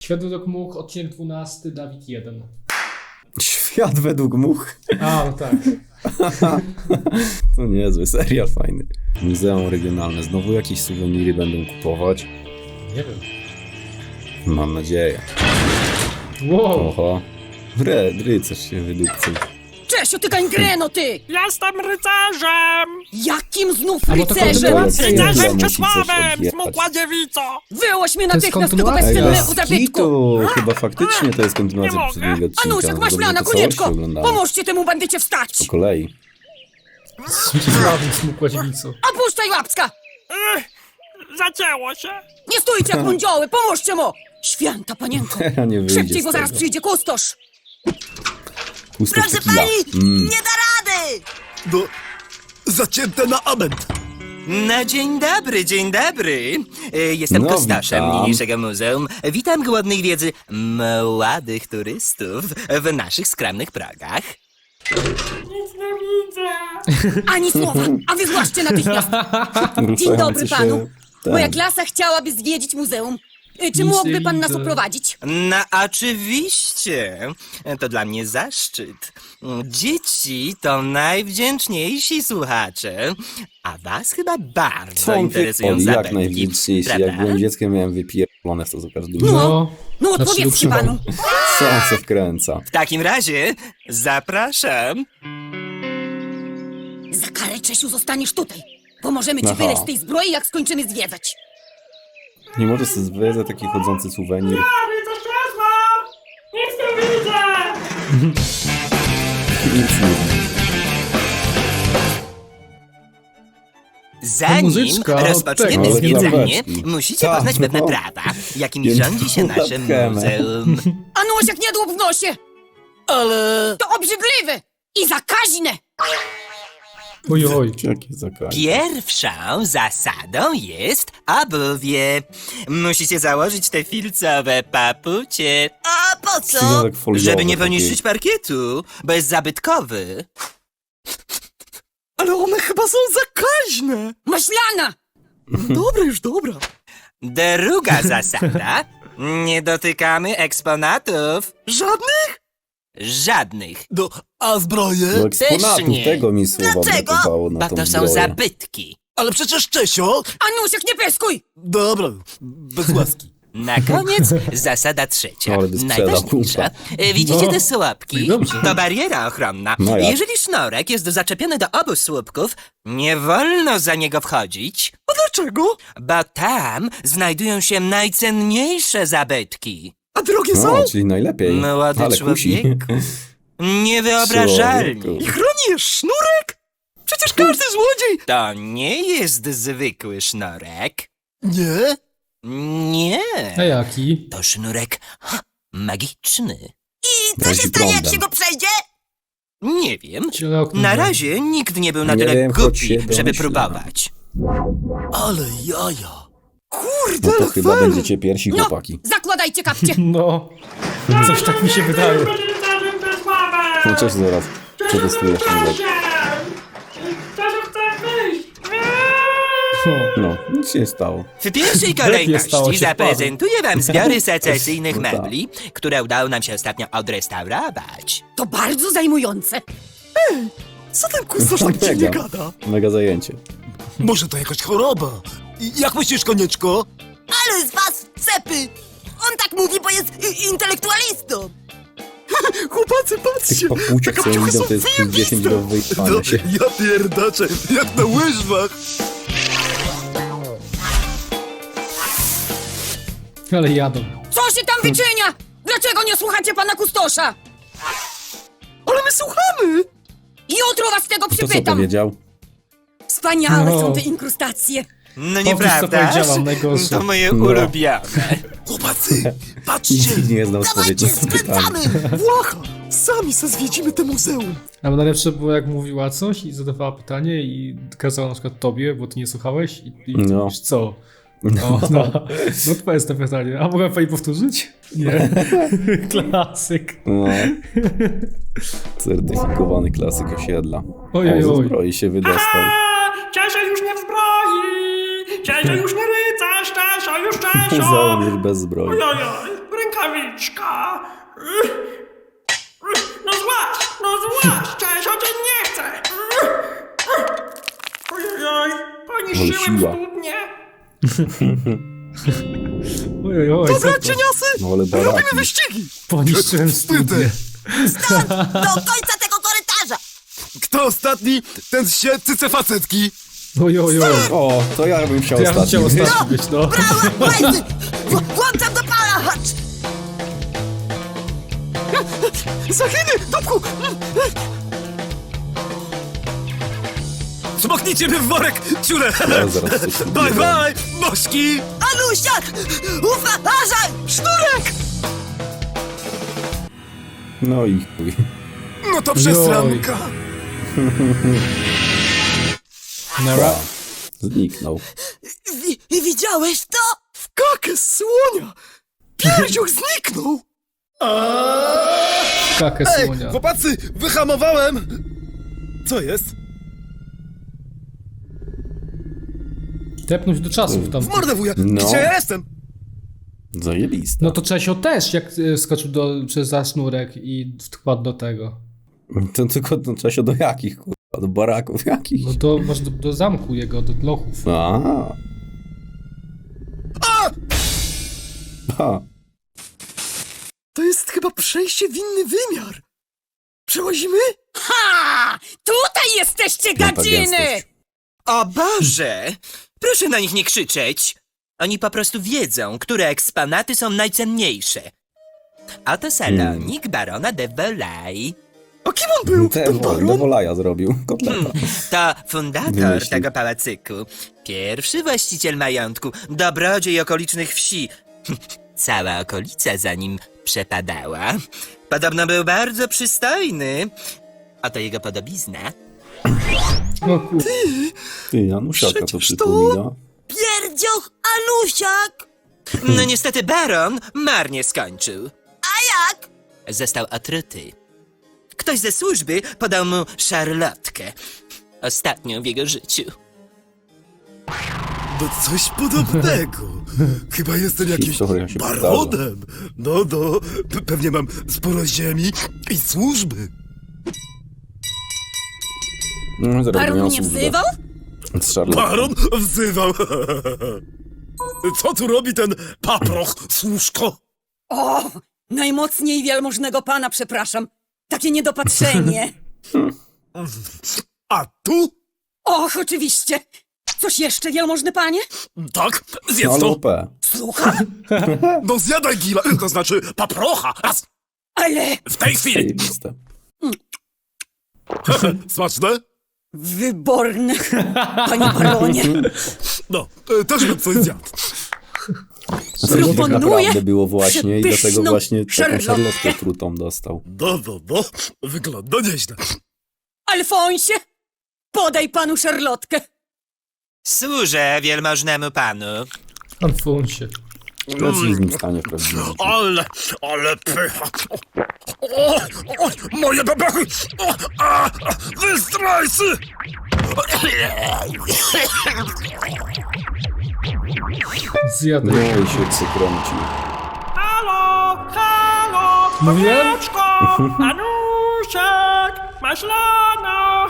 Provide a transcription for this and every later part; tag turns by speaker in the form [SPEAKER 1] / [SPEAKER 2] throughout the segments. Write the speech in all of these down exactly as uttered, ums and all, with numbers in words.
[SPEAKER 1] Świat według much, odcinek dwunasty, Dawid jeden.
[SPEAKER 2] Świat według much.
[SPEAKER 1] A, no tak.
[SPEAKER 2] To niezły serial, fajny. Muzeum regionalne. Znowu jakieś suweniry będą kupować?
[SPEAKER 1] Nie wiem.
[SPEAKER 2] Mam nadzieję.
[SPEAKER 1] Wow.
[SPEAKER 2] Oho. Ry, rycerz się wydupcył.
[SPEAKER 3] Czesio, ty gangreno, ty!
[SPEAKER 4] Jestem rycerzem!
[SPEAKER 3] Jakim znów
[SPEAKER 1] A bo to
[SPEAKER 3] rycerzem?
[SPEAKER 1] kontynuacja jest.
[SPEAKER 4] Rycerzem
[SPEAKER 2] musi coś
[SPEAKER 4] Czesławem!
[SPEAKER 2] odjechać.
[SPEAKER 4] Smukła dziewico!
[SPEAKER 3] Wyłoś mnie
[SPEAKER 1] To jest
[SPEAKER 3] natychmiast z tego
[SPEAKER 1] kontynuacja.
[SPEAKER 2] Ej,
[SPEAKER 3] bezcennego
[SPEAKER 2] bez
[SPEAKER 3] zabytku!
[SPEAKER 2] kitu! Chyba faktycznie to jest
[SPEAKER 4] Nie
[SPEAKER 2] kontynuacja
[SPEAKER 4] mogę.
[SPEAKER 2] poprzedniego odcinka.
[SPEAKER 3] Anusiak,
[SPEAKER 2] No
[SPEAKER 3] masz
[SPEAKER 2] dobrze,
[SPEAKER 3] lana,
[SPEAKER 2] to całość
[SPEAKER 3] konieczko!
[SPEAKER 2] oglądamy.
[SPEAKER 3] Pomóżcie temu bandycie wstać!
[SPEAKER 2] Po kolei.
[SPEAKER 1] Smutny smukła dziewico.
[SPEAKER 3] Opuszczaj łapska!
[SPEAKER 4] Ech, zacięło się!
[SPEAKER 3] Nie stójcie jak mundzioły, pomóżcie mu! Święta panienko!
[SPEAKER 2] Ja nie wyjdzie
[SPEAKER 3] Szybciej,
[SPEAKER 2] z
[SPEAKER 3] bo zaraz
[SPEAKER 2] tego.
[SPEAKER 3] przyjdzie kustosz!
[SPEAKER 2] Pusto tequila. Mm.
[SPEAKER 3] da rady!
[SPEAKER 5] No, zacięte na amen.
[SPEAKER 6] No dzień dobry, dzień dobry. E, Jestem
[SPEAKER 2] No,
[SPEAKER 6] kustaszem
[SPEAKER 2] witam.
[SPEAKER 6] niniejszego muzeum. Witam głodnych wiedzy młodych turystów w naszych skromnych progach.
[SPEAKER 4] Nic nie widzę!
[SPEAKER 3] Ani słowa, a wy zgłaszcie natychmiast! Dzień dobry
[SPEAKER 2] Ruszający się
[SPEAKER 3] panu.
[SPEAKER 2] ten.
[SPEAKER 3] Moja klasa chciałaby zwiedzić muzeum. Y, Czy
[SPEAKER 1] Nic
[SPEAKER 3] mógłby
[SPEAKER 1] nie
[SPEAKER 3] pan nas
[SPEAKER 1] widzę.
[SPEAKER 3] oprowadzić?
[SPEAKER 6] No oczywiście, to dla mnie zaszczyt. Dzieci to najwdzięczniejsi słuchacze, a was chyba bardzo
[SPEAKER 2] Co on
[SPEAKER 6] interesują
[SPEAKER 2] wie- o, jak
[SPEAKER 6] zabawki,
[SPEAKER 2] najwdzięczniejszy. Jak
[SPEAKER 6] prawda?
[SPEAKER 2] byłem dzieckiem, miałem wypierdolone w to za każdym
[SPEAKER 3] No.
[SPEAKER 2] razem.
[SPEAKER 1] No.
[SPEAKER 3] No
[SPEAKER 1] Znaczy,
[SPEAKER 3] odpowiedzcie
[SPEAKER 1] utrzymał.
[SPEAKER 3] panu.
[SPEAKER 2] Co on się wkręca?
[SPEAKER 6] W takim razie zapraszam.
[SPEAKER 3] Za karę, Czesiu, zostaniesz tutaj. Pomożemy ci
[SPEAKER 2] Aha.
[SPEAKER 3] wyleźć z tej zbroi, jak skończymy zwiedzać.
[SPEAKER 2] Nie możesz sobie zwyjść taki chodzący suwenir.
[SPEAKER 4] A, rycerz Czesław! Nic nie widzę!
[SPEAKER 2] Nic nie.
[SPEAKER 6] Zanim
[SPEAKER 1] muzyczka od
[SPEAKER 6] rozpoczniemy
[SPEAKER 2] tego.
[SPEAKER 6] zwiedzanie,
[SPEAKER 2] Ale klapeczki.
[SPEAKER 6] musicie
[SPEAKER 2] Tak,
[SPEAKER 6] poznać pewne
[SPEAKER 2] no.
[SPEAKER 6] prawa, jakimi
[SPEAKER 2] Jedną
[SPEAKER 6] rządzi się nasze
[SPEAKER 2] latkę.
[SPEAKER 6] muzeum.
[SPEAKER 3] Anusiak, nie dłup w nosie!
[SPEAKER 6] Ale...
[SPEAKER 3] To obrzydliwe i zakaźne!
[SPEAKER 1] Oj, oj.
[SPEAKER 2] Jakie zakaz.
[SPEAKER 6] Pierwszą zasadą jest obuwie. Musicie założyć te filcowe papucie. A po
[SPEAKER 2] Związek foliowy
[SPEAKER 6] Żeby nie
[SPEAKER 2] taki.
[SPEAKER 6] poniszczyć parkietu, bo jest zabytkowy.
[SPEAKER 5] Ale one chyba są zakaźne.
[SPEAKER 3] Maślana!
[SPEAKER 5] Dobra, już dobra.
[SPEAKER 6] Druga zasada. Nie dotykamy eksponatów.
[SPEAKER 5] Żadnych?
[SPEAKER 6] Żadnych.
[SPEAKER 5] No, a zbroje?
[SPEAKER 2] Do eksponatów
[SPEAKER 6] nie.
[SPEAKER 2] tego mi słowa
[SPEAKER 3] Dlaczego?
[SPEAKER 2] brakowało na
[SPEAKER 6] Bo
[SPEAKER 2] tą
[SPEAKER 6] to są
[SPEAKER 2] zbroję.
[SPEAKER 6] zabytki.
[SPEAKER 5] Ale przecież Czesio...
[SPEAKER 3] Anusiak, nie pyskuj!
[SPEAKER 5] Dobra, bez łaski.
[SPEAKER 6] Na koniec zasada trzecia,
[SPEAKER 2] Ale by sprzedał,
[SPEAKER 6] najważniejsza. E, Widzicie
[SPEAKER 1] No.
[SPEAKER 6] te słupki?
[SPEAKER 1] Dobrze.
[SPEAKER 6] To bariera ochronna.
[SPEAKER 2] No jak?
[SPEAKER 6] Jeżeli sznurek jest zaczepiony do obu słupków, nie wolno za niego wchodzić,
[SPEAKER 5] A dlaczego?
[SPEAKER 6] bo tam znajdują się najcenniejsze zabytki.
[SPEAKER 5] A drogie są?
[SPEAKER 2] No, czyli najlepiej.
[SPEAKER 6] Młody
[SPEAKER 2] Ale kusi.
[SPEAKER 6] człowieku. Niewyobrażalnie.
[SPEAKER 2] Człowieku.
[SPEAKER 5] I chroni je sznurek? Przecież każdy złodziej...
[SPEAKER 6] To nie jest zwykły sznurek.
[SPEAKER 5] Nie?
[SPEAKER 6] Nie.
[SPEAKER 1] A jaki?
[SPEAKER 6] To sznurek ha, magiczny.
[SPEAKER 3] I
[SPEAKER 2] Razi prądem.
[SPEAKER 3] przejdzie?
[SPEAKER 6] Nie wiem.
[SPEAKER 1] Ciele okno.
[SPEAKER 6] Na razie nikt nie był na
[SPEAKER 2] Nie
[SPEAKER 6] tyle
[SPEAKER 2] wiem, choć się
[SPEAKER 6] głupi, żeby
[SPEAKER 2] domyślam.
[SPEAKER 6] próbować.
[SPEAKER 5] Ale jaja. Kurde,
[SPEAKER 2] No to
[SPEAKER 5] ale
[SPEAKER 2] chyba
[SPEAKER 5] fajnie.
[SPEAKER 2] będziecie pierwsi
[SPEAKER 3] No,
[SPEAKER 2] chłopaki.
[SPEAKER 3] zakładajcie kapcie!
[SPEAKER 1] No. Coś tak mi się wydaje.
[SPEAKER 4] Jesteśmy rycerzem Czesławem!
[SPEAKER 2] No cześć, zaraz.
[SPEAKER 4] Czesio
[SPEAKER 2] Przetestujesz
[SPEAKER 4] Czesio!
[SPEAKER 2] mnie.
[SPEAKER 4] Czesio chce wyjść!
[SPEAKER 1] No.
[SPEAKER 2] No, nic się nie stało.
[SPEAKER 6] W pierwszej
[SPEAKER 1] stało
[SPEAKER 6] kolejności
[SPEAKER 1] się
[SPEAKER 6] zaprezentuję wam zbiory secesyjnych
[SPEAKER 2] No tak.
[SPEAKER 6] mebli, które udało nam się ostatnio odrestaurować.
[SPEAKER 3] To bardzo zajmujące.
[SPEAKER 5] Co ten kustosz tak dziwnie
[SPEAKER 2] Mega.
[SPEAKER 5] gada?
[SPEAKER 2] Mega zajęcie.
[SPEAKER 5] Może to jakaś choroba. I jak myślisz, konieczko?
[SPEAKER 3] Ale z was cepy! On tak mówi, bo jest intelektualistą!
[SPEAKER 5] Chłopacy,
[SPEAKER 2] Tych
[SPEAKER 5] patrzcie!
[SPEAKER 2] papuciek, co
[SPEAKER 5] Taka
[SPEAKER 2] idą, to jest
[SPEAKER 5] zajebista.
[SPEAKER 2] dziesięć do wyjechania
[SPEAKER 5] No,
[SPEAKER 2] się.
[SPEAKER 5] ja pierdaczę, jak na łyżwach.
[SPEAKER 1] Ale jadą.
[SPEAKER 3] Co się tam wyczynia? Dlaczego nie słuchacie pana kustosza?
[SPEAKER 5] Ale my słuchamy!
[SPEAKER 3] Jutro was tego
[SPEAKER 2] To co
[SPEAKER 3] przypytam!
[SPEAKER 2] powiedział?
[SPEAKER 3] Wspaniałe
[SPEAKER 1] No.
[SPEAKER 3] są te inkrustacje!
[SPEAKER 6] No
[SPEAKER 1] co
[SPEAKER 6] nieprawda?
[SPEAKER 1] powiedziałam, najgorsze.
[SPEAKER 6] To moje
[SPEAKER 2] No.
[SPEAKER 6] ulubione.
[SPEAKER 5] Chłopacy, patrzcie!
[SPEAKER 2] Nikt nie znał odpowiedzi na to pytanie.
[SPEAKER 5] Włacha! Sami se zwiedzimy te muzeum.
[SPEAKER 1] Ale najlepsze było, jak mówiła coś i zadawała pytanie i kazała na przykład tobie, bo ty nie słuchałeś i, i ty
[SPEAKER 2] No.
[SPEAKER 1] mówisz co? O, no. No to jest to pytanie. A mogę pani powtórzyć? Nie. Klasyk.
[SPEAKER 2] No. Certyfikowany klasyk osiedla.
[SPEAKER 1] Oj, oj,
[SPEAKER 2] O, ze
[SPEAKER 1] oj.
[SPEAKER 2] zbroi się wydostał.
[SPEAKER 4] A, Czesio już nie w zbroi! Czesio już nie rycerz! Czesio już Czesio!
[SPEAKER 2] Muzeum już bez zbroi.
[SPEAKER 4] Ojojoj! rękawiczka. No złaś, no złaś, Czesio cię nie chce. Ojej, poniszczyłem
[SPEAKER 2] siła.
[SPEAKER 4] studnię.
[SPEAKER 1] Oj, oj,
[SPEAKER 5] Dobra,
[SPEAKER 1] co to?
[SPEAKER 5] cieniasy!
[SPEAKER 2] No ale baraki.
[SPEAKER 5] Robimy wyścigi!
[SPEAKER 1] Poniszczyłem studnię.
[SPEAKER 3] Stąd do końca tego korytarza!
[SPEAKER 5] Kto ostatni, ten się cyce facetki.
[SPEAKER 1] Oj, oj, oj.
[SPEAKER 2] O, to ja bym chciał
[SPEAKER 1] To ja bym
[SPEAKER 2] ostatni.
[SPEAKER 1] chciał ostatni być, no.
[SPEAKER 3] Brawo, łajzy! W- Włączam do pana, chodź!
[SPEAKER 5] Zachyny, dupku! Smoknijcie mnie w worek, ciule!
[SPEAKER 2] Ja zaraz coś
[SPEAKER 5] Bye, bye, mośki!
[SPEAKER 3] Anusiak! Uważaj!
[SPEAKER 5] Sznurek!
[SPEAKER 2] No i chuj.
[SPEAKER 5] No to przesranka.
[SPEAKER 1] Nara.
[SPEAKER 2] Zniknął.
[SPEAKER 3] Wi- widziałeś to?
[SPEAKER 5] W kakę słonia! Pierdziuch zniknął!
[SPEAKER 1] Kakę
[SPEAKER 5] Ej,
[SPEAKER 1] słonia.
[SPEAKER 5] chłopacy, wyhamowałem! Co jest?
[SPEAKER 1] Tepnąć do czasów tam.
[SPEAKER 5] W mordę wuja!
[SPEAKER 2] No.
[SPEAKER 5] Gdzie ja jestem?
[SPEAKER 2] Zajebiste.
[SPEAKER 1] No to Czesio też, jak e, skoczył do, przez za sznurek i wkładł do tego.
[SPEAKER 2] To tylko to trzeba się do jakich, kurwa? Do baraków jakich?
[SPEAKER 1] No to masz do, do zamku jego, do lochów.
[SPEAKER 2] A.
[SPEAKER 5] A!
[SPEAKER 2] A.
[SPEAKER 5] To jest chyba przejście w inny wymiar. Przełazimy?
[SPEAKER 3] Ha! Tutaj jesteście,
[SPEAKER 2] gadziny!
[SPEAKER 6] O Boże! Proszę na nich nie krzyczeć. Oni po prostu wiedzą, które eksponaty są najcenniejsze. Oto salonik barona de Volay.
[SPEAKER 5] A kim on był?
[SPEAKER 2] Te
[SPEAKER 5] Ten
[SPEAKER 2] wol,
[SPEAKER 5] baron?
[SPEAKER 2] do Wolaja zrobił. Kotleta.
[SPEAKER 6] To fundator
[SPEAKER 2] Wymyślił.
[SPEAKER 6] tego pałacyku. Pierwszy właściciel majątku, dobrodziej okolicznych wsi. Cała okolica za nim przepadała. Podobno był bardzo przystojny. Oto jego podobizna.
[SPEAKER 1] No kur...
[SPEAKER 2] Ty, Janusiaka to
[SPEAKER 5] Przecież to-
[SPEAKER 2] przypomina.
[SPEAKER 3] Pierdzioch Anusiak!
[SPEAKER 6] No niestety baron marnie skończył.
[SPEAKER 3] A jak?
[SPEAKER 6] Został otruty. Ktoś ze służby podał mu szarlotkę. Ostatnią w jego życiu.
[SPEAKER 5] No coś podobnego. Chyba jestem jakimś
[SPEAKER 2] Historia się
[SPEAKER 5] baronem. No, no, pe- pewnie mam sporo ziemi i służby.
[SPEAKER 2] No, zaraz
[SPEAKER 3] Baron
[SPEAKER 2] miał
[SPEAKER 3] mnie
[SPEAKER 2] służbę.
[SPEAKER 3] wzywał?
[SPEAKER 2] Z Charlotą.
[SPEAKER 5] Baron wzywał. Co tu robi ten paproch, służko?
[SPEAKER 7] O, najmocniej wielmożnego pana, przepraszam. Takie niedopatrzenie.
[SPEAKER 5] A tu?
[SPEAKER 7] Och, oczywiście. Coś jeszcze, wielmożny panie?
[SPEAKER 5] Tak,
[SPEAKER 2] No,
[SPEAKER 5] zjedz
[SPEAKER 2] ale
[SPEAKER 5] to.
[SPEAKER 2] O P.
[SPEAKER 7] Słucham,
[SPEAKER 5] No zjadaj gila, to znaczy paprocha. Raz,
[SPEAKER 7] ale
[SPEAKER 5] w tej chwili.
[SPEAKER 2] Zajebiste.
[SPEAKER 5] Smaczne?
[SPEAKER 7] wyborne, panie baronie.
[SPEAKER 5] No, e, też bym coś zjadł.
[SPEAKER 2] Coś tak
[SPEAKER 7] Proponuję
[SPEAKER 2] naprawdę było właśnie i dlatego
[SPEAKER 7] przepyszną
[SPEAKER 2] właśnie taką
[SPEAKER 7] szarlotkę.
[SPEAKER 2] szarlotkę trutą dostał.
[SPEAKER 5] No, no, no, wygląda nieźle.
[SPEAKER 7] Alfonsie, podaj panu szarlotkę.
[SPEAKER 6] Służę wielmożnemu panu.
[SPEAKER 1] Alfonsie.
[SPEAKER 2] Co ci z nim stanie w prawdziwym życiu?
[SPEAKER 5] Ale, ale pycha. O, o, moje bebechy! O, a, a, wy zdrajcy!
[SPEAKER 1] Zjadł.
[SPEAKER 2] No i się przykręcił.
[SPEAKER 4] Halo, halo,
[SPEAKER 1] Mówiłem?
[SPEAKER 4] Kowieczko, Anusiak, maślana.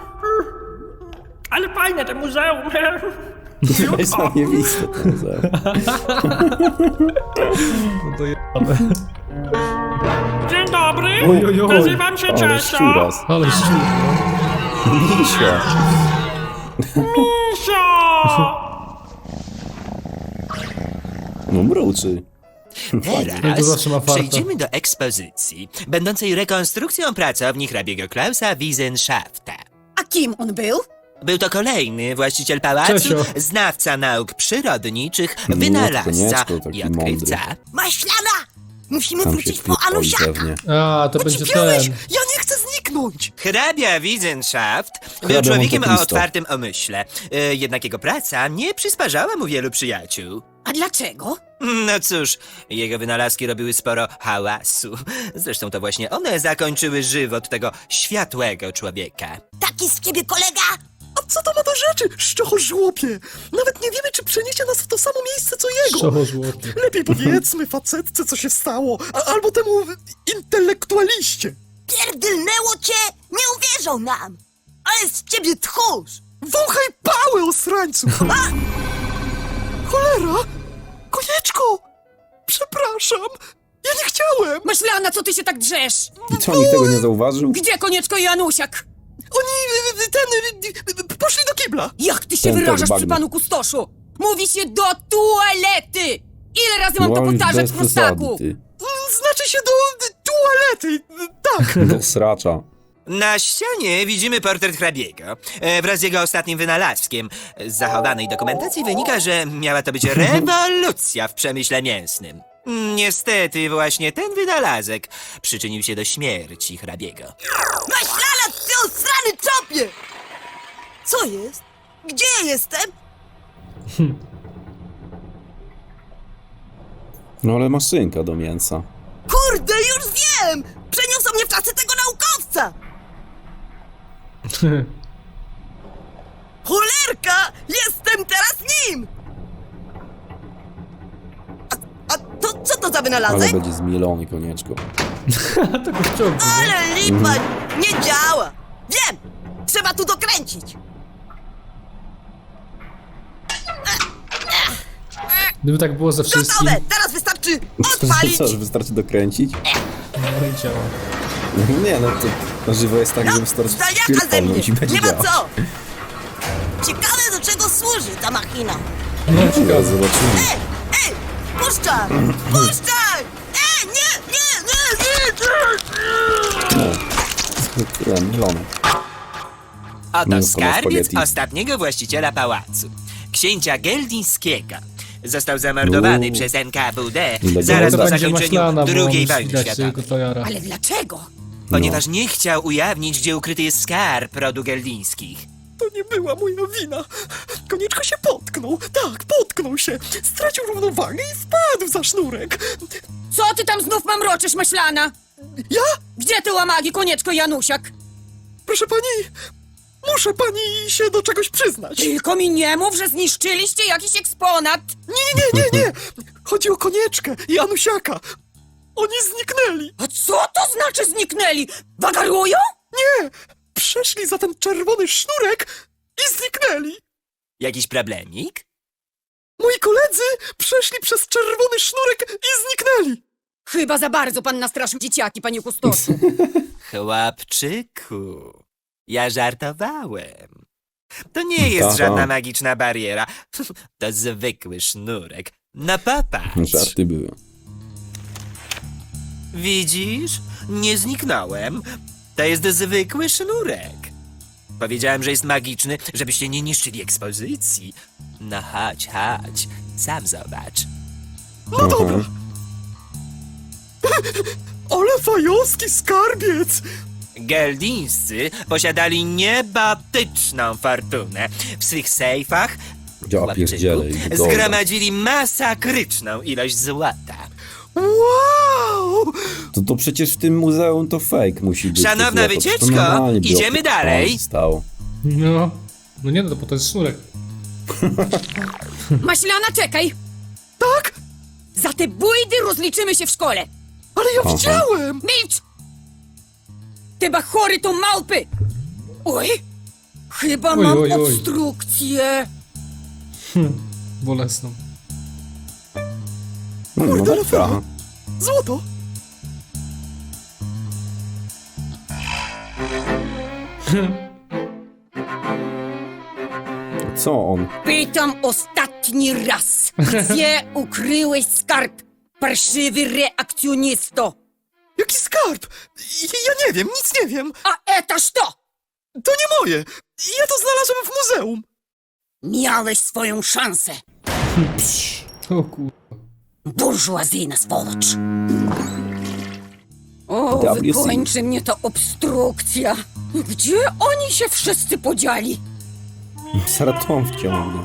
[SPEAKER 4] Ale fajne to muzeum.
[SPEAKER 2] To jest zajebiste to muzeum.
[SPEAKER 1] No to jebane.
[SPEAKER 4] Dzień dobry,
[SPEAKER 1] Oj, oj, oj.
[SPEAKER 4] nazywam się
[SPEAKER 2] Ale
[SPEAKER 4] Czesio.
[SPEAKER 2] szczuras.
[SPEAKER 1] Ale szczur.
[SPEAKER 2] Misia.
[SPEAKER 4] Misio!
[SPEAKER 2] No mruczy.
[SPEAKER 1] No
[SPEAKER 6] Teraz
[SPEAKER 1] to zawsze ma farta.
[SPEAKER 6] przejdziemy do ekspozycji, będącej rekonstrukcją pracowni hrabiego Klausa Wiesenschafta.
[SPEAKER 7] A kim on był?
[SPEAKER 6] Był to kolejny właściciel pałacu,
[SPEAKER 1] Czesio.
[SPEAKER 6] znawca nauk przyrodniczych,
[SPEAKER 2] No,
[SPEAKER 6] wynalazca
[SPEAKER 2] Konieczko, taki
[SPEAKER 6] i odkrywca.
[SPEAKER 3] Maślana! Musimy
[SPEAKER 2] Tam się
[SPEAKER 3] wrócić po
[SPEAKER 2] wpierdoli
[SPEAKER 3] Anusiaka!
[SPEAKER 2] pewnie.
[SPEAKER 1] A, to będzie
[SPEAKER 5] Ocipiałeś!
[SPEAKER 1] ten.
[SPEAKER 5] Ja nie chcę zniknąć!
[SPEAKER 6] Hrabia Wiesenschafft był
[SPEAKER 2] Hrabia
[SPEAKER 6] człowiekiem
[SPEAKER 2] Monte
[SPEAKER 6] o
[SPEAKER 2] Cristo.
[SPEAKER 6] otwartym umyśle, e, jednak jego praca nie przysparzała mu wielu przyjaciół.
[SPEAKER 7] A dlaczego?
[SPEAKER 6] No cóż, jego wynalazki robiły sporo hałasu. Zresztą to właśnie one zakończyły żywot tego światłego człowieka.
[SPEAKER 3] Taki z ciebie kolega?
[SPEAKER 8] Co to ma do rzeczy, szczochożłopie? Nawet nie wiemy, czy przeniesie nas w to samo miejsce, co jego.
[SPEAKER 1] Szczochożłopie.
[SPEAKER 8] Lepiej powiedzmy facetce, co się stało, a, albo temu intelektualiście.
[SPEAKER 3] Pierdylnęło cię? Nie uwierzą nam! Ale z ciebie tchórz!
[SPEAKER 8] Wąchaj pałę, osrańcu! Cholera! Konieczko! Przepraszam! Ja nie chciałem!
[SPEAKER 7] Maślana, co ty się tak drzesz?
[SPEAKER 2] I co, nikt tego nie zauważył?
[SPEAKER 7] Gdzie Konieczko i Janusiak?
[SPEAKER 8] Oni, y, ten, y, y, poszli do kibla.
[SPEAKER 7] Jak ty się
[SPEAKER 2] Ten też
[SPEAKER 7] wyrażasz przy
[SPEAKER 2] bagno.
[SPEAKER 7] panu kustoszu? Mówi się do toalety! Ile razy mam to
[SPEAKER 2] No, już
[SPEAKER 7] powtarzać,
[SPEAKER 2] bez
[SPEAKER 7] prostaku?
[SPEAKER 2] przesady, ty.
[SPEAKER 8] Mm, Znaczy się do y, toalety, y, tak.
[SPEAKER 2] Do sracza.
[SPEAKER 6] Na ścianie widzimy portret hrabiego e, wraz z jego ostatnim wynalazkiem. Z zachowanej dokumentacji wynika, że miała to być rewolucja w przemyśle mięsnym. Niestety właśnie ten wynalazek przyczynił się do śmierci hrabiego.
[SPEAKER 3] Maślana, ty osrany czopie! Co jest? Gdzie ja jestem?
[SPEAKER 2] No ale maszynka do mięsa.
[SPEAKER 3] Kurde, już wiem! Przeniosą mnie w czasy tego naukowca! Cholerka! Jestem teraz nim! A, a to co to za
[SPEAKER 2] Ale
[SPEAKER 3] wynalazek?
[SPEAKER 2] będzie zmielony, Konieczko.
[SPEAKER 1] To go wciągnie.
[SPEAKER 3] Ale lipa! Nie działa! Wiem! Trzeba tu dokręcić!
[SPEAKER 1] Gdyby tak było ze wszystkim,
[SPEAKER 3] Gotowe! Teraz wystarczy odpalić!
[SPEAKER 2] Co, że wystarczy dokręcić?
[SPEAKER 1] no i działa.
[SPEAKER 2] Nie, no to na żywo jest tak,
[SPEAKER 3] No,
[SPEAKER 2] że wystarczy
[SPEAKER 3] zdaniaka ze mnie!
[SPEAKER 2] pierdolnąć i będzie
[SPEAKER 3] Nie ma
[SPEAKER 2] działać.
[SPEAKER 3] co! Ciekawe, do czego służy ta machina!
[SPEAKER 1] No
[SPEAKER 2] Teraz
[SPEAKER 1] ciekawe.
[SPEAKER 2] zobaczymy.
[SPEAKER 3] Ej! Ej! Puszczaj! Puszczaj! Ej! Nie! Nie! Nie! Nie! nie!
[SPEAKER 2] No, tyle, mielone.
[SPEAKER 6] Oto
[SPEAKER 2] Mięsko na
[SPEAKER 6] skarbiec
[SPEAKER 2] spaghetti.
[SPEAKER 6] ostatniego właściciela pałacu, księcia Geldińskiego. Został zamordowany
[SPEAKER 2] Uuu.
[SPEAKER 6] przez N K W D
[SPEAKER 2] Ile
[SPEAKER 6] zaraz
[SPEAKER 1] To
[SPEAKER 6] po
[SPEAKER 1] będzie
[SPEAKER 6] zakończeniu
[SPEAKER 1] maślana, bo
[SPEAKER 6] drugiej
[SPEAKER 1] musi
[SPEAKER 6] wojny
[SPEAKER 1] widać
[SPEAKER 6] światowej.
[SPEAKER 1] tego tojara.
[SPEAKER 7] Ale dlaczego?
[SPEAKER 6] Ponieważ nie chciał ujawnić, gdzie ukryty jest skarb rodu Geldińskich.
[SPEAKER 8] To nie była moja wina. Konieczko się potknął. Tak, potknął się. Stracił równowagę i wpadł za sznurek.
[SPEAKER 7] Co ty tam znów mamroczysz, Maślana?
[SPEAKER 8] Ja?
[SPEAKER 7] Gdzie ty łamagi, Konieczko i Janusiak?
[SPEAKER 8] Proszę pani, muszę pani się do czegoś przyznać. Nie,
[SPEAKER 7] Tylko mi nie mów, że zniszczyliście jakiś eksponat.
[SPEAKER 8] nie, nie, nie, nie. Chodzi o Konieczkę i Anusiaka. Oni zniknęli.
[SPEAKER 7] A co to znaczy zniknęli? Wagarują?
[SPEAKER 8] Nie, przeszli za ten czerwony sznurek i zniknęli.
[SPEAKER 6] Jakiś problemik?
[SPEAKER 8] Moi koledzy przeszli przez czerwony sznurek i zniknęli.
[SPEAKER 7] Chyba za bardzo pan nastraszył dzieciaki, panie kustoszu.
[SPEAKER 6] Chłopczyku, ja żartowałem. To nie jest
[SPEAKER 2] Aha.
[SPEAKER 6] żadna magiczna bariera. To zwykły sznurek. No popatrz.
[SPEAKER 2] Żarty były.
[SPEAKER 6] Widzisz? Nie zniknąłem. To jest zwykły sznurek. Powiedziałem, że jest magiczny, żebyście nie niszczyli ekspozycji. No chodź, chodź. Sam zobacz.
[SPEAKER 8] No dobra. Ale fajowski skarbiec.
[SPEAKER 6] Geldińscy posiadali niebotyczną fortunę. W swych sejfach
[SPEAKER 2] Ja
[SPEAKER 6] chłopczyku,
[SPEAKER 2] pierdzielę i wygoda.
[SPEAKER 6] zgromadzili masakryczną ilość złota.
[SPEAKER 8] Wow!
[SPEAKER 2] To, to przecież w tym muzeum to fake musi być.
[SPEAKER 6] Szanowna
[SPEAKER 2] to złoto.
[SPEAKER 6] wycieczko,
[SPEAKER 2] To normalnie by
[SPEAKER 6] idziemy
[SPEAKER 2] opy-
[SPEAKER 6] dalej.
[SPEAKER 2] Stało.
[SPEAKER 1] No. No nie, no bo to jest sznurek.
[SPEAKER 7] Maślana, czekaj!
[SPEAKER 8] Tak?
[SPEAKER 7] Za te bójdy rozliczymy się w szkole.
[SPEAKER 8] Ale ja
[SPEAKER 2] Aha.
[SPEAKER 8] widziałem.
[SPEAKER 7] Milcz! Te bachory to małpy! Oj! Chyba
[SPEAKER 1] Oj,
[SPEAKER 7] mam
[SPEAKER 1] oj, oj.
[SPEAKER 7] obstrukcję.
[SPEAKER 1] Bolesną.
[SPEAKER 2] No, no
[SPEAKER 8] Kurde,
[SPEAKER 2] tak
[SPEAKER 8] ale fajnie.
[SPEAKER 2] trochę.
[SPEAKER 8] Złoto.
[SPEAKER 2] Co on?
[SPEAKER 7] Pytam ostatni raz. Gdzie ukryłeś skarb, parszywy reakcjonisto?
[SPEAKER 8] Jaki skarb? Ja, ja nie wiem, nic nie wiem.
[SPEAKER 7] A etaż to!
[SPEAKER 8] To nie moje. Ja to znalazłem w muzeum.
[SPEAKER 7] Miałeś swoją szansę,
[SPEAKER 1] O kur...
[SPEAKER 7] burżuazyjna swolocz. O,
[SPEAKER 2] W C.
[SPEAKER 7] wykończy mnie ta obstrukcja. Gdzie oni się wszyscy podzieli?
[SPEAKER 2] Zaraz tą wciągnie.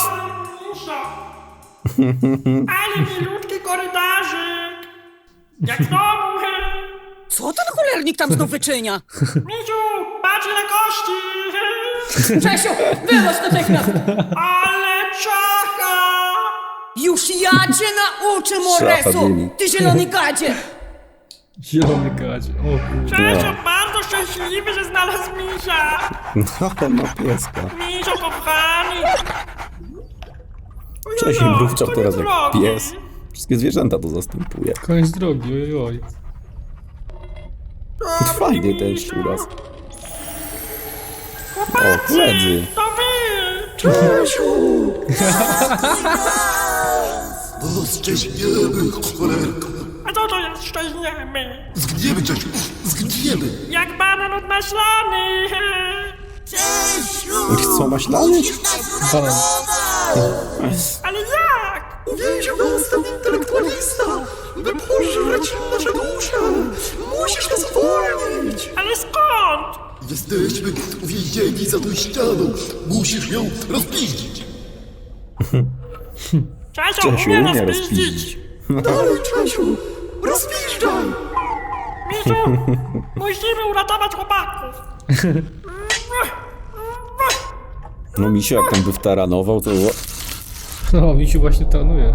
[SPEAKER 4] Ale milutki korytarzyk! Jak w domu!
[SPEAKER 7] Co ten cholernik tam znów wyczynia?
[SPEAKER 4] Miciu, patrz na kości!
[SPEAKER 7] Czesiu, wynoś natychmiast!
[SPEAKER 4] Ale czacha!
[SPEAKER 7] Już ja cię nauczę,
[SPEAKER 2] Szafa
[SPEAKER 7] Moresu!
[SPEAKER 2] dymi.
[SPEAKER 7] Ty zielony gadzie!
[SPEAKER 1] Zielony gadzie. O kurde.
[SPEAKER 4] Czesio bardzo szczęśliwy, że znalazł misia!
[SPEAKER 2] No, ale ma pieska.
[SPEAKER 4] Misio kochani!
[SPEAKER 2] Cześć,
[SPEAKER 4] Ojojoj,
[SPEAKER 2] mrówczak
[SPEAKER 4] koniec
[SPEAKER 2] teraz jak
[SPEAKER 4] drogi.
[SPEAKER 2] pies. Wszystkie zwierzęta to zastępuje.
[SPEAKER 1] Koniec drogi, ojoj.
[SPEAKER 2] Fajnie ten szczuras. O, koledzy.
[SPEAKER 4] To wy!
[SPEAKER 8] Czesiu!
[SPEAKER 5] No, szczęśniemy, cholerko.
[SPEAKER 4] A co to jest szczęśniemy?
[SPEAKER 5] Zgniemy, Czesiu, zgniemy.
[SPEAKER 4] Jak banan odmaślany!
[SPEAKER 3] Czesiu!
[SPEAKER 2] Co, maślany?
[SPEAKER 3] Musisz nas
[SPEAKER 1] Banan.
[SPEAKER 4] Ale jak?
[SPEAKER 8] Uwięził nas ten intelektualista, by pożreć nasze dusze. Musisz nas uwolnić.
[SPEAKER 4] Ale skąd?
[SPEAKER 5] Jesteśmy uwięzieni za tą ścianą. Musisz ją rozpiździć.
[SPEAKER 4] Czesio
[SPEAKER 2] Czesiu
[SPEAKER 4] umie
[SPEAKER 2] umie
[SPEAKER 4] nas
[SPEAKER 2] rozpiździć.
[SPEAKER 4] piździć!
[SPEAKER 8] Dalej, Czesiu, rozpiszczaj.
[SPEAKER 4] Misiu, musimy uratować chłopaków!
[SPEAKER 2] No misio, jak tam by wtaranował, to...
[SPEAKER 1] No, misiu właśnie trenuje.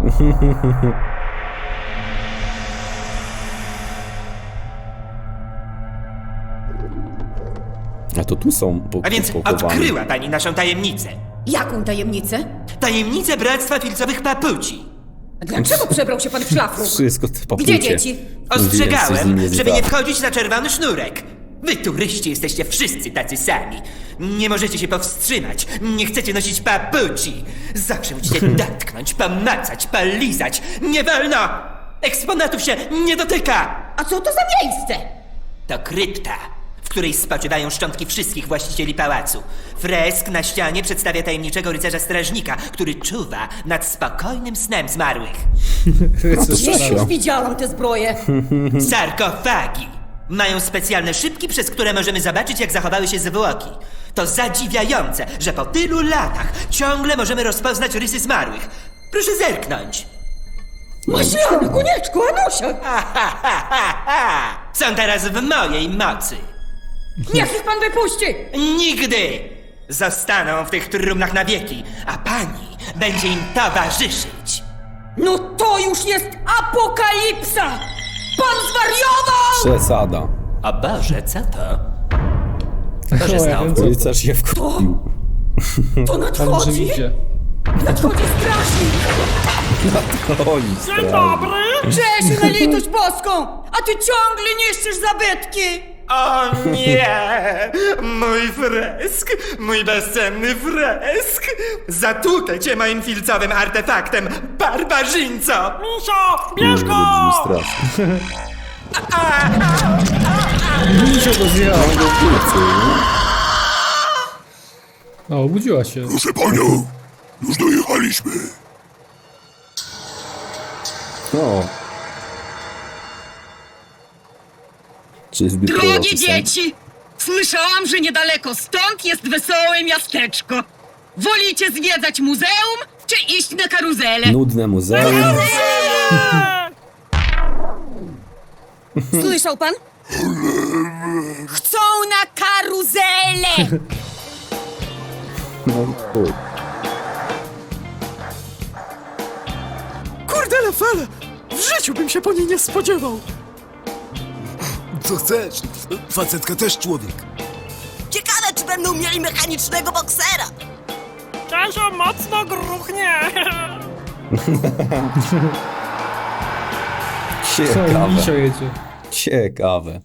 [SPEAKER 2] A to tu są po,
[SPEAKER 6] A więc
[SPEAKER 2] pochowane.
[SPEAKER 6] odkryła pani naszą tajemnicę.
[SPEAKER 7] Jaką tajemnicę?
[SPEAKER 6] Tajemnicę Bractwa Filcowych Papuci.
[SPEAKER 7] A dlaczego przebrał się pan w szlafrok?
[SPEAKER 2] Wszystko te papucie.
[SPEAKER 7] Gdzie dzieci?
[SPEAKER 2] Mówiłem, coś z
[SPEAKER 6] Ostrzegałem,
[SPEAKER 2] nim jest
[SPEAKER 6] żeby
[SPEAKER 2] tak.
[SPEAKER 6] nie wchodzić na czerwony sznurek. Wy turyści jesteście wszyscy tacy sami. Nie możecie się powstrzymać. Nie chcecie nosić papuci. Zawsze musicie dotknąć, pomacać, polizać. Nie wolno! Eksponatów się nie dotyka!
[SPEAKER 7] A co to za miejsce?
[SPEAKER 6] To krypta, w której spoczywają szczątki wszystkich właścicieli pałacu. Fresk na ścianie przedstawia tajemniczego rycerza strażnika, który czuwa nad spokojnym snem zmarłych.
[SPEAKER 7] Gdzieś już widziałam tę zbroję.
[SPEAKER 6] Sarkofagi mają specjalne szybki, przez które możemy zobaczyć, jak zachowały się zwłoki. To zadziwiające, że po tylu latach ciągle możemy rozpoznać rysy zmarłych. Proszę zerknąć.
[SPEAKER 7] Maślany, konieczku, Anusia!
[SPEAKER 6] Ha, ha, ha, ha, ha. Są teraz w mojej mocy.
[SPEAKER 7] Niech ich pan wypuści!
[SPEAKER 6] Nigdy! Zostaną w tych trumnach na wieki, a pani będzie im towarzyszyć.
[SPEAKER 7] No to już jest apokalipsa! Pan zwariował!
[SPEAKER 2] Przesada.
[SPEAKER 6] O Boże, co to?
[SPEAKER 1] O, ja wiem, co to.
[SPEAKER 2] Rycerz się wkurwił.
[SPEAKER 7] To
[SPEAKER 1] Pan że
[SPEAKER 7] nadchodzi!
[SPEAKER 1] idzie.
[SPEAKER 7] Nadchodzi strażnik!
[SPEAKER 2] Oj,
[SPEAKER 4] Dzień
[SPEAKER 2] strach.
[SPEAKER 4] dobry!
[SPEAKER 7] Czesiu, na litość boską! A ty ciągle niszczysz zabytki!
[SPEAKER 6] O nie! Mój fresk! Mój bezcenny fresk! Zatłukę cię moim filcowym artefaktem, barbarzyńco!
[SPEAKER 4] Misio, bierz go!
[SPEAKER 2] Brzmi strasznie.
[SPEAKER 1] Misio go zjadł. O, obudziła się.
[SPEAKER 5] Proszę panią, już dojechaliśmy.
[SPEAKER 2] O. Czy zbyt
[SPEAKER 9] Drogie
[SPEAKER 2] proroczy sen?
[SPEAKER 9] dzieci! Słyszałam, że niedaleko stąd jest wesołe miasteczko. Wolicie zwiedzać muzeum, czy iść na karuzelę?
[SPEAKER 2] Nudne muzeum.
[SPEAKER 7] Słyszał pan? Chcą na karuzelę!
[SPEAKER 2] No, chuj.
[SPEAKER 8] Kurde lefele, w życiu bym się po niej nie spodziewał.
[SPEAKER 5] Co chcesz? Facetka też człowiek.
[SPEAKER 3] Ciekawe, czy będą mieli mechanicznego boksera.
[SPEAKER 4] Czesio mocno gruchnie!
[SPEAKER 1] Co,
[SPEAKER 2] Ciekawe.
[SPEAKER 1] misio jedzie.
[SPEAKER 2] Ciekawe.